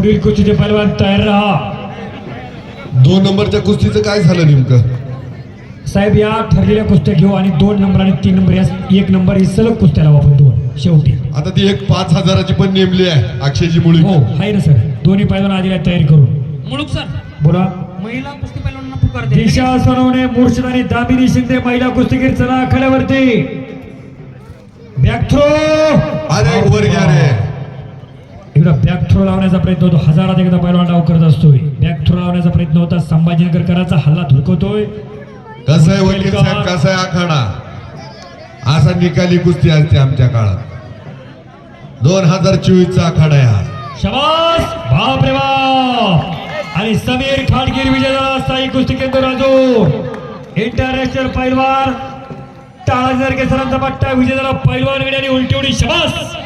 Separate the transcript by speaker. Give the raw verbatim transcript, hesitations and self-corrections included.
Speaker 1: पुढील कुस्तीचे पैलवान तयार राहा.
Speaker 2: दोन नंबरच्या कुस्तीचं काय झालं नेमकं
Speaker 1: साहेब? या ठरलेल्या कुस्त्या घेऊ आणि दोन नंबर आणि तीन नंबर या एक नंबर ही सलग कुस्त्या लावू आपण दोन शेवटी.
Speaker 2: आता ती एक पाच हजाराची पण नेमली आहे अक्षयची मुळी.
Speaker 1: हो आहे ना सर. दोन्ही पैलवान आधी तयारी करू.
Speaker 3: मुळूक सर
Speaker 1: बोला.
Speaker 3: महिला कुस्ती पैलवानांना पुकारते.
Speaker 1: दिशा सोनवणे, मूर्छित आणि दामिनी शिंदे महिला कुस्तीगीर चला आखाड्यावरती. Back throw.
Speaker 2: अरे वर घ्या रे.
Speaker 1: इकडं बॅक थ्रो लावण्याचा प्रयत्न होतो. हजारात एकदा पैलवान डाव करत असतोय. बॅक थ्रो लावण्याचा प्रयत्न होता. संभाजीनगरकरांचा हल्ला धुडकवतोय.
Speaker 2: कसं आहे वकील साहेब, कसा आहे आखाडा? असा निकाली कुस्ती असते आमच्या काळात. दोन हजार चोवीस चा आखाडा आहे हा.
Speaker 1: शाबास. बाप रे बाप. आणि समीर खाडगीर विजय झाला. साई कुस्ती केंद्र राजूर इंटरनॅशनल पैलवान टाळा जर केसरांचा पट्टा विजय झाला. पैलवान आणि उलटी उडी. शाबास.